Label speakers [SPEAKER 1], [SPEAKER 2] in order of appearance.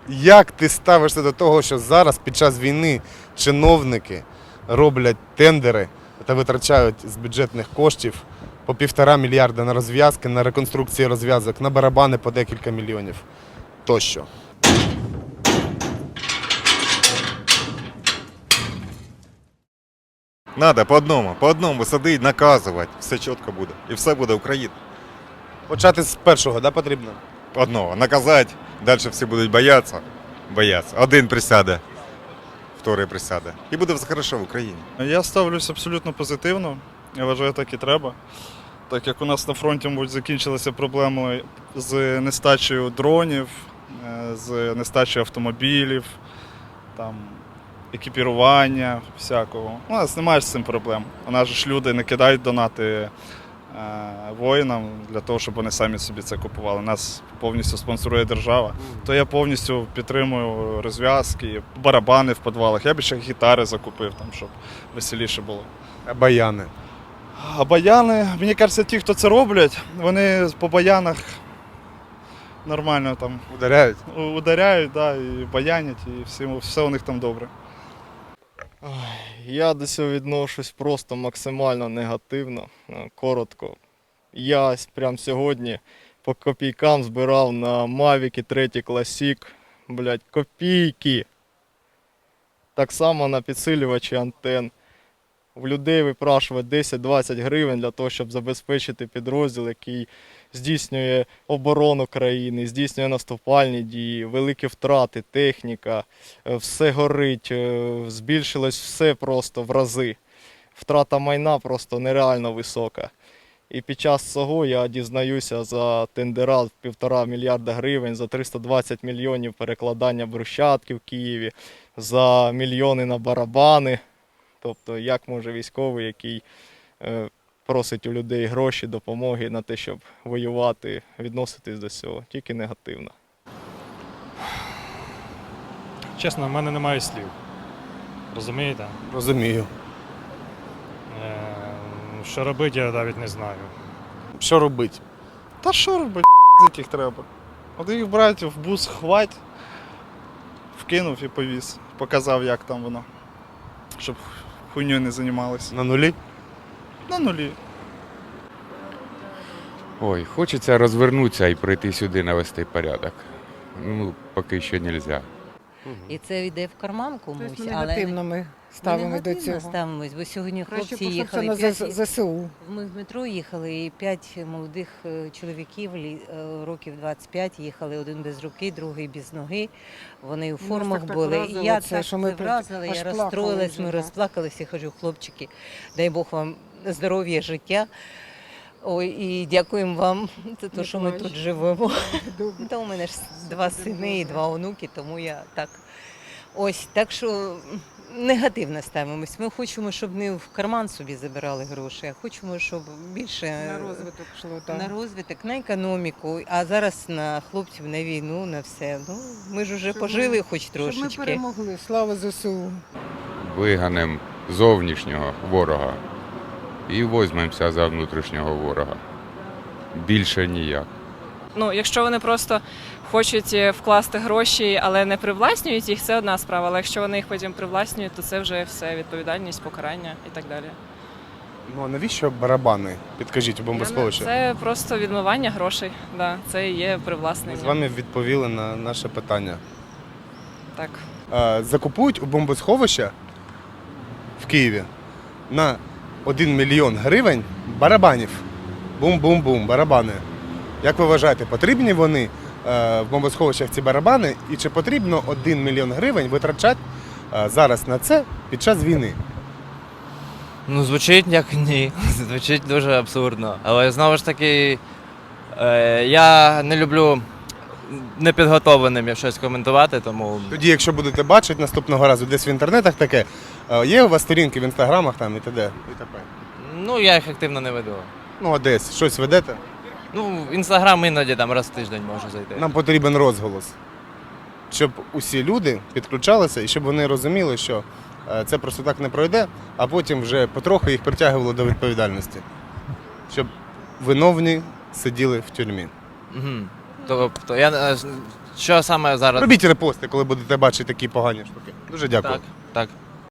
[SPEAKER 1] Як ти ставишся до того, що зараз під час війни чиновники роблять тендери та витрачають з бюджетних коштів по 1,5 мільярда на розв'язки, на реконструкції розв'язок, на барабани по декілька мільйонів тощо?
[SPEAKER 2] Надо по одному садити, наказувати, все чітко буде. І все буде Україна.
[SPEAKER 1] Почати з першого, да, потрібно?
[SPEAKER 2] По одному. Наказати, далі всі будуть боятися. Один присяде, вторий присяде. І буде все хорошо в Україні.
[SPEAKER 3] Я ставлюсь абсолютно позитивно. Я вважаю, так і треба. Так як у нас на фронті, мабуть, закінчилися проблеми з нестачею дронів, з нестачею автомобілів, там, екіпірування всякого. У нас немає з цим проблем. У нас же ж люди не кидають донати воїнам для того, щоб вони самі собі це купували. Нас повністю спонсорує держава. То я повністю підтримую розв'язки, барабани в підвалах. Я б ще гітари закупив, там, щоб веселіше було.
[SPEAKER 1] А баяни?
[SPEAKER 3] А баяни, мені кажеться, ті, хто це роблять, вони по баянах нормально там
[SPEAKER 1] Ударяють?
[SPEAKER 3] ударяють, да, і баянять, і все у них там добре.
[SPEAKER 4] Я до цього відношусь просто максимально негативно, коротко. Я прямо сьогодні по копійкам збирав на Mavic 3 Classic, блядь, копійки. Так само на підсилювачі антен. В людей випрашувати 10-20 гривень для того, щоб забезпечити підрозділ, який здійснює оборону країни, здійснює наступальні дії, великі втрати, техніка, все горить, збільшилось все просто в рази. Втрата майна просто нереально висока. І під час цього я дізнаюся за тендера в 1,5 мільярда гривень, за 320 мільйонів перекладання брусчатки в Києві, за мільйони на барабани. Тобто, як може військовий, який просить у людей гроші, допомоги на те, щоб воювати, відноситись до цього? Тільки негативно.
[SPEAKER 5] Чесно, в мене немає слів. Розумієте?
[SPEAKER 1] Розумію.
[SPEAKER 5] Що робити, я навіть не знаю.
[SPEAKER 1] Що робити?
[SPEAKER 3] Та що робити, їх треба? От їх брати в бус, хвать, вкинув і повіз. Показав, як там воно, щоб хуйньою не займалися.
[SPEAKER 1] На нулі?
[SPEAKER 3] На нулі.
[SPEAKER 6] Ой, хочеться розвернутися і прийти сюди навести порядок. Ну, поки що не можна.
[SPEAKER 7] І це йде в карман комусь,
[SPEAKER 8] Тобто ми
[SPEAKER 7] але
[SPEAKER 8] негативно ми ставимо до
[SPEAKER 7] негативно
[SPEAKER 8] цього.
[SPEAKER 7] ставимось, бо сьогодні
[SPEAKER 8] Краще
[SPEAKER 7] хлопці
[SPEAKER 8] пошукати
[SPEAKER 7] їхали.
[SPEAKER 8] на ЗСУ.
[SPEAKER 7] Ми в метро їхали, і 5 молодих чоловіків, років 25, їхали, один без руки, другий без ноги. Вони у формах
[SPEAKER 8] так
[SPEAKER 7] були.
[SPEAKER 8] вразило
[SPEAKER 7] І я
[SPEAKER 8] це,
[SPEAKER 7] так
[SPEAKER 8] що ми
[SPEAKER 7] вразила,
[SPEAKER 8] аж
[SPEAKER 7] я
[SPEAKER 8] плакали
[SPEAKER 7] розстроїлась,
[SPEAKER 8] вже,
[SPEAKER 7] ми
[SPEAKER 8] да.
[SPEAKER 7] розплакалися, кажу, хлопчики, дай Бог вам здоров'я, життя. Ой, і дякуємо вам за те, що ми тут живемо. Та у мене ж 2 сини і 2 онуки, тому я так. Ось, так що негативно ставимось. Ми хочемо, щоб не в карман собі забирали гроші, а хочемо, щоб більше
[SPEAKER 8] На розвиток йшло, так.
[SPEAKER 7] на розвиток, на економіку, а зараз на хлопців, на війну, на все. Ну, ми ж вже
[SPEAKER 8] Щоб
[SPEAKER 7] пожили
[SPEAKER 8] ми-
[SPEAKER 7] хоч
[SPEAKER 8] Щоб ми
[SPEAKER 7] трошечки.
[SPEAKER 8] перемогли. Слава ЗСУ.
[SPEAKER 6] Виганемо зовнішнього ворога і візьмемося за внутрішнього ворога. Більше ніяк.
[SPEAKER 9] Ну, якщо вони просто хочуть вкласти гроші, але не привласнюють їх, це одна справа. Але якщо вони їх потім привласнюють, то це вже все відповідальність, покарання і так далі.
[SPEAKER 1] Ну а навіщо барабани? Підкажіть у бомбосховищі.
[SPEAKER 9] Це просто відмивання грошей. Да, це і є
[SPEAKER 1] Ми
[SPEAKER 9] привласнення.
[SPEAKER 1] з вами відповіли на наше питання.
[SPEAKER 9] Так.
[SPEAKER 1] Закупують у бомбосховища в Києві на 1 мільйон гривень барабанів. Бум-бум-бум, барабани. Як ви вважаєте, потрібні вони в бомбосховищах ці барабани? І чи потрібно 1 мільйон гривень витрачати зараз на це під час війни?
[SPEAKER 10] Ну, звучить як ні. Звучить дуже абсурдно. Але знову ж таки, я не люблю непідготовленим щось коментувати, тому.
[SPEAKER 1] Тоді, якщо будете бачити наступного разу десь в інтернетах таке, є у вас сторінки в інстаграмах там і т.д. і т.п.
[SPEAKER 10] Ну, я їх активно не веду.
[SPEAKER 1] Ну, а десь щось ведете?
[SPEAKER 10] Ну, в інстаграм іноді там раз в тиждень можу зайти.
[SPEAKER 1] Нам потрібен розголос, щоб усі люди підключалися і щоб вони розуміли, що це просто так не пройде, а потім вже потроху їх притягували до відповідальності. Щоб виновні сиділи в тюрмі.
[SPEAKER 10] Угу. Тобто, я Що саме зараз?
[SPEAKER 1] Робіть репости, коли будете бачити такі погані штуки. Дуже дякую.
[SPEAKER 10] Так, так.